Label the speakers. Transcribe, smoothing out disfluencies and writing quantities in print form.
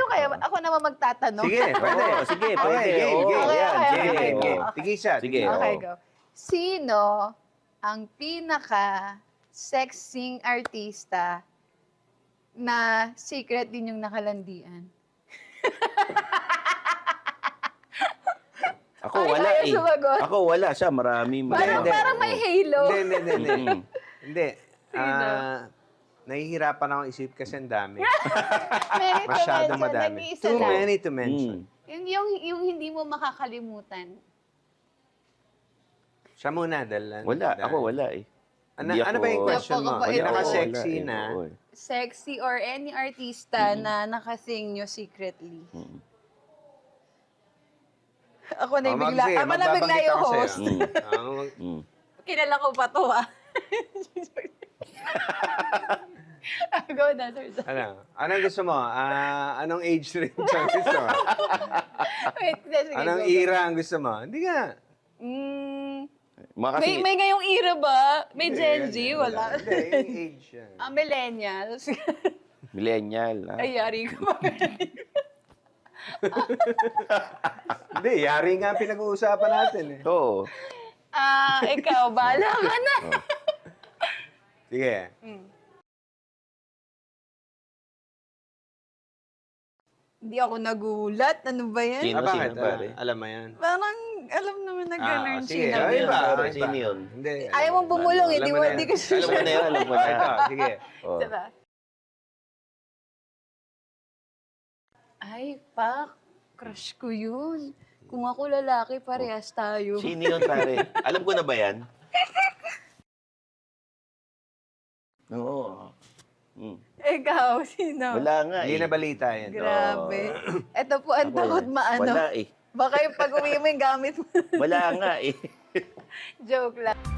Speaker 1: kaya ako naman magtatanong.
Speaker 2: Sige, pwede.
Speaker 3: Oo, sige, pwede.
Speaker 2: game,
Speaker 3: Oo,
Speaker 2: game.
Speaker 3: yan,
Speaker 1: Okay,
Speaker 3: sige,
Speaker 1: okay,
Speaker 3: oo.
Speaker 2: Game. Tigisa.
Speaker 3: Sige.
Speaker 1: Okay,
Speaker 3: oo.
Speaker 1: go. Sino ang pinaka-sexing artista na secret din yung nakalandian?
Speaker 3: Ako
Speaker 1: Ay,
Speaker 3: wala
Speaker 1: ayaw
Speaker 3: eh.
Speaker 1: sumagot.
Speaker 3: Ako wala siya, marami.
Speaker 1: Parang,
Speaker 2: Hindi.
Speaker 1: parang may halo.
Speaker 2: Hindi.
Speaker 3: Mm.
Speaker 2: Hindi.
Speaker 1: Sino?
Speaker 2: Nahihirapan akong isip kasi ang dami.
Speaker 1: Many to
Speaker 2: Masyadong
Speaker 1: mention.
Speaker 2: madami.
Speaker 1: Nag-iisa
Speaker 2: Too
Speaker 1: lang.
Speaker 2: many to mention.
Speaker 1: Yung hindi mo makakalimutan.
Speaker 2: Siya muna, dahil...
Speaker 3: Wala, ako wala eh.
Speaker 2: Ano ba yung question mo?
Speaker 1: Napakabait.
Speaker 2: Pinaka-sexy
Speaker 3: Wala,
Speaker 2: na.
Speaker 3: oo, eh.
Speaker 1: Sexy or any artista na nakasing nyo secretly. Ako na yung bigla. Ako na bigla yung host.
Speaker 3: Mm.
Speaker 1: Kilala ko pa to ah. Go na, sir.
Speaker 2: Anong gusto mo? Anong age range ang gusto mo?
Speaker 1: Wait, sige,
Speaker 2: Anong
Speaker 1: go.
Speaker 2: era ang gusto mo? Hindi nga.
Speaker 3: Mga kasi,
Speaker 1: May ngayong era ba? May Gen Z? Wala.
Speaker 2: Hindi, yung age yan.
Speaker 1: Millennials.
Speaker 3: millennial. Ha?
Speaker 1: Ay, yari ko pa.
Speaker 2: Hindi, yari nga ang pinag-uusapan natin eh.
Speaker 3: Oo.
Speaker 1: Ikaw, bahala ka na.
Speaker 2: Sige.
Speaker 1: Hindi ako nagulat. Ano ba yan?
Speaker 3: Sino?
Speaker 2: Bakit?
Speaker 3: pare?
Speaker 2: Alam mo yan.
Speaker 1: Parang alam naman na gano'n
Speaker 2: sige.
Speaker 1: sinabi.
Speaker 2: Iba,
Speaker 3: Iba,
Speaker 2: iba.
Speaker 3: sino yun?
Speaker 2: Hindi.
Speaker 1: Ayaw mong bumulong,
Speaker 2: Alam
Speaker 1: hindi
Speaker 2: mo
Speaker 1: mo
Speaker 2: na
Speaker 1: hindi
Speaker 2: yan.
Speaker 1: ko
Speaker 3: Alam mo na yun, alam mo na.
Speaker 2: Ito, sige.
Speaker 3: Oh.
Speaker 1: Diba? Ay, pak. Crush ko yun. Kung ako lalaki, parehas tayo.
Speaker 3: Sino yun, pare? Alam ko na ba yan? Oo.
Speaker 1: Ikaw, sino?
Speaker 3: Wala nga
Speaker 2: Hindi
Speaker 3: eh.
Speaker 2: na balita yan.
Speaker 1: Grabe. Ito po ang takot maano.
Speaker 3: Wala eh.
Speaker 1: Baka yung pag-uwi mo yung gamit mo.
Speaker 3: Wala nga eh.
Speaker 1: Joke lang.